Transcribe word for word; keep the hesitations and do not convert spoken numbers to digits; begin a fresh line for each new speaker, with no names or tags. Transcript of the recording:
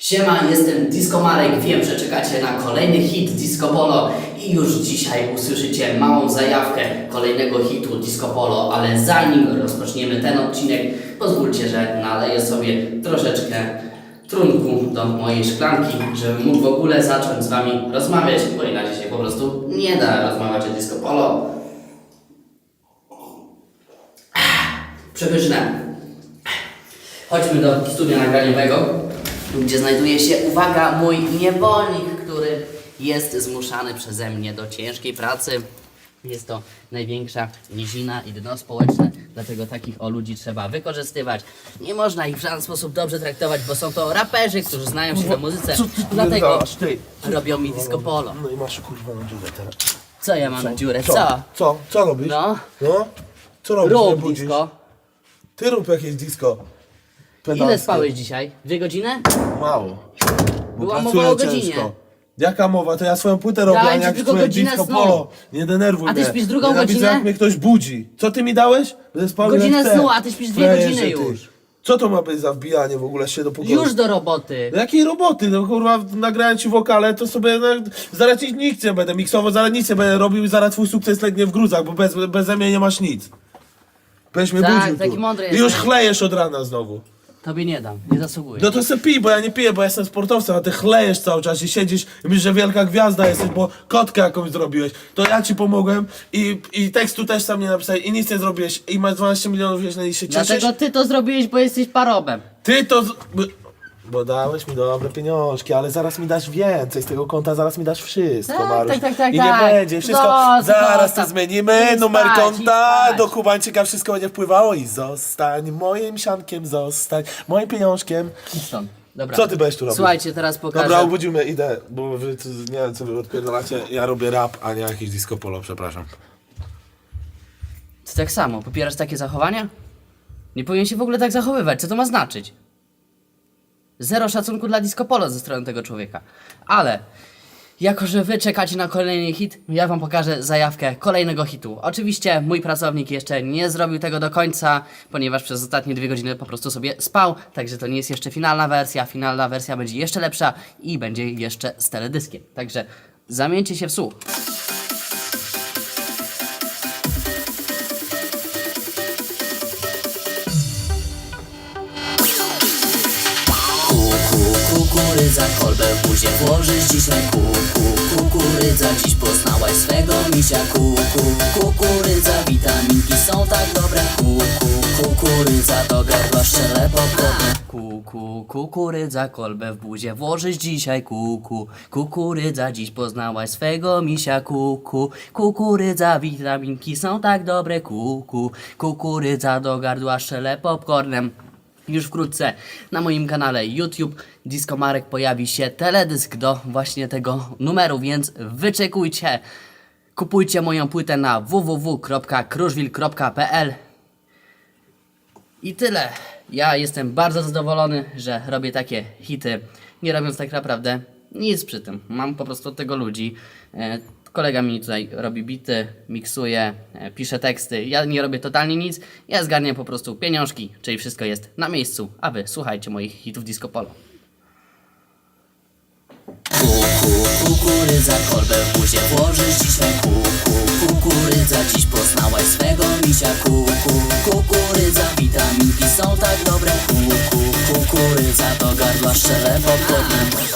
Siema, jestem Disco Marek, wiem, że czekacie na kolejny hit Disco Polo i już dzisiaj usłyszycie małą zajawkę kolejnego hitu Disco Polo, ale zanim rozpoczniemy ten odcinek, pozwólcie, że naleję sobie troszeczkę trunku do mojej szklanki, żebym mógł w ogóle zacząć z Wami rozmawiać, bo inaczej się po prostu nie da rozmawiać o Disco Polo. Przepyszne. Chodźmy do studia nagraniowego, gdzie znajduje się, uwaga, mój niewolnik, który jest zmuszany przeze mnie do ciężkiej pracy. Jest to największa nizina i dno społeczne, dlatego takich o ludzi trzeba wykorzystywać. Nie można ich w żaden sposób dobrze traktować, bo są to raperzy, którzy znają się na muzyce,
Co ty
dlatego
gadasz, ty?
robią mi disco polo.
No i masz kurwa na dziurę teraz.
Co ja mam na dziurę?
Co?
Co?
Co? Co robisz?
No,
No? Co robisz? Nie
rób
budzisz?
disco.
Ty rób jakieś disco.
Ile
Pedalskie.
spałeś dzisiaj? Dwie godziny?
Mało. Bo
Była
pracuję
mowa o godzinie.
ciężko. Jaka mowa? To ja swoją płytę robię, a
Dałem
nie
ci
jak
tylko
twoje
godzinę
disco
snu.
polo. Nie denerwuj
A ty
mnie.
śpisz drugą
Nienawidzę,
godzinę?
jak mnie ktoś budzi. Co ty mi dałeś? Będę spał ile
Godzinę
chcę.
snu, a ty śpisz dwie
Frajerze,
godziny
ty.
już.
Co to ma być za wbijanie w ogóle się do pokoju?
Już do roboty.
Do jakiej roboty? No kurwa, nagrałem ci wokale, to sobie no, zaraz ci nic nie będę miksował, zaraz nic nie będę robił i zaraz twój sukces legnie w gruzach, bo bez, beze mnie nie masz nic. Będziesz mnie
Tak,
budził
taki
tu.
mądry
I już
jesteś.
chlejesz od rana znowu.
Tobie nie dam, nie zasługuję.
No to se pij, bo ja nie piję, bo ja jestem sportowcem, a ty chlejesz cały czas i siedzisz i myślisz, że wielka gwiazda jesteś, bo kotkę jakąś zrobiłeś. To ja ci pomogłem i, i tekstu też sam nie napisałeś i nic nie zrobiłeś i masz dwanaście milionów jeśli i się cieszysz.
Dlatego ty to zrobiłeś, bo jesteś parobem.
Ty to... Z... Bo- Bo dałeś mi dobre pieniążki, ale zaraz mi dasz więcej z tego konta, zaraz mi dasz wszystko,
Tak,
Maruś.
tak, tak, tak,
I
tak.
nie będzie, wszystko,
Zostaw,
zaraz to
zostaw.
zmienimy,
Idź
numer
spać,
konta,
idź spać.
do Kubańczyka wszystko będzie wpływało i zostań moim siankiem, zostań moim pieniążkiem.
Idź stąd. Dobra.
Co ty będziesz tu robił?
Słuchajcie, teraz pokażę.
Dobra, obudził mnie, idę, bo wy tu, nie wiem co wy odpierdalacie, ja robię rap, a nie jakiś disco polo, przepraszam.
Ty tak samo, popierasz takie zachowania? Nie powinien się w ogóle tak zachowywać, co to ma znaczyć? Zero szacunku dla disco polo ze strony tego człowieka. Ale, jako że wy czekacie na kolejny hit, ja wam pokażę zajawkę kolejnego hitu. Oczywiście mój pracownik jeszcze nie zrobił tego do końca, ponieważ przez ostatnie dwie godziny po prostu sobie spał, także to nie jest jeszcze finalna wersja. Finalna wersja będzie jeszcze lepsza i będzie jeszcze z teledyskiem. Także zamieńcie się w słuch. Kukurydza, kolbę w buzie włożysz dzisiaj. Kuku, kukurydza, dziś poznałaś swego misia. Kuku, kukurydza, witaminki są tak dobre. Kuku, kukurydza, do gardła szczele popcorn. Kuku, kukurydza, kolbę w buzie włożysz dzisiaj. Kuku, kukurydza, dziś poznałaś swego misia. Kuku, kukurydza, witaminki są tak dobre. Kuku, kukurydza, do gardła szczele popcornem. Już wkrótce na moim kanale YouTube Disco Marek pojawi się teledysk do właśnie tego numeru, więc wyczekujcie. Kupujcie moją płytę na w w w kropka kruszwil kropka p l. I tyle. Ja jestem bardzo zadowolony, że robię takie hity, nie robiąc tak naprawdę nic przy tym. Mam po prostu od tego ludzi. E, Kolega mi tutaj robi bity, miksuje, e, pisze teksty. Ja nie robię totalnie nic. Ja zgarniam po prostu pieniążki, czyli wszystko jest na miejscu. A wy słuchajcie moich hitów disco polo. Kuku, kukurydza, kolbę w buzie włożysz dzisiaj. Kuku, kukurydza, dziś poznałaś swego misia. Kuku, kukurydza, witaminki są tak dobre. Kuku, kukurydza, do gardła szczele popcornem.